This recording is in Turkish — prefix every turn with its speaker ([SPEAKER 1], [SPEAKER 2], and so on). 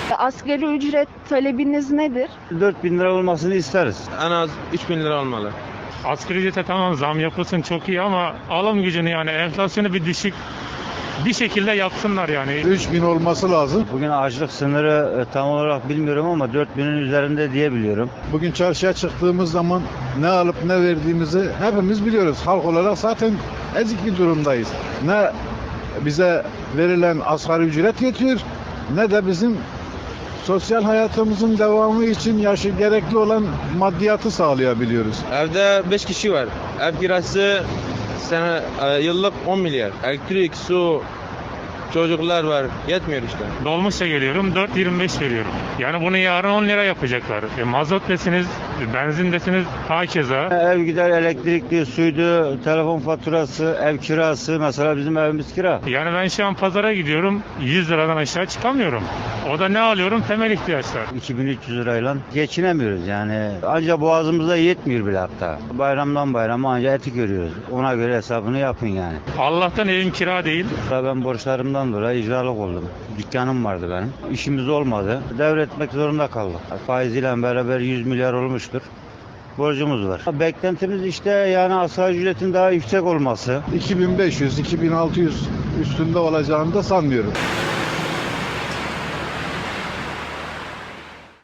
[SPEAKER 1] Asgari ücret talebiniz nedir?
[SPEAKER 2] 4.000 lira olmasını isteriz.
[SPEAKER 3] En az 3.000 lira olmalı.
[SPEAKER 4] Asgari ücrete tamam zam yapılsın çok iyi ama alım gücünü yani enflasyonu bir düşük bir şekilde yapsınlar yani.
[SPEAKER 5] 3.000 olması lazım.
[SPEAKER 2] Bugün açlık sınırı tam olarak bilmiyorum ama 4.000'in üzerinde diye biliyorum.
[SPEAKER 5] Bugün çarşıya çıktığımız zaman ne alıp ne verdiğimizi hepimiz biliyoruz. Halk olarak zaten ezik bir durumdayız. Ne bize verilen asgari ücret yetiyor ne de bizim sosyal hayatımızın devamı için gerekli olan maddiyatı sağlayabiliyoruz.
[SPEAKER 3] Evde 5 kişi var. Ev kirası yıllık 10 milyar. Elektrik, su, çocuklar var. Yetmiyor işte.
[SPEAKER 4] Dolmuşa geliyorum 4.25 veriyorum. Yani bunu yarın 10 lira yapacaklar. Mazot desiniz, benzin desiniz hakeza.
[SPEAKER 2] Ev gider elektrikli, suydu, telefon faturası, ev kirası. Mesela bizim evimiz kira.
[SPEAKER 4] Yani ben şu an pazara gidiyorum 100 liradan aşağı çıkamıyorum. O da ne alıyorum? Temel ihtiyaçlar.
[SPEAKER 2] 2300 lirayla geçinemiyoruz yani. Ancak boğazımıza yetmiyor bile hatta. Bayramdan bayrama ancak eti görüyoruz. Ona göre hesabını yapın yani.
[SPEAKER 4] Allah'tan evim kira değil.
[SPEAKER 2] Ben borçlarımdan dolayı icralık oldum. Dükkanım vardı benim. İşimiz olmadı. Devretmek zorunda kaldık. Faiziyle beraber 100 milyar olmuştur. Borcumuz var. Beklentimiz işte yani asgari ücretin daha yüksek olması.
[SPEAKER 5] 2500, 2600 üstünde olacağını da sanmıyorum.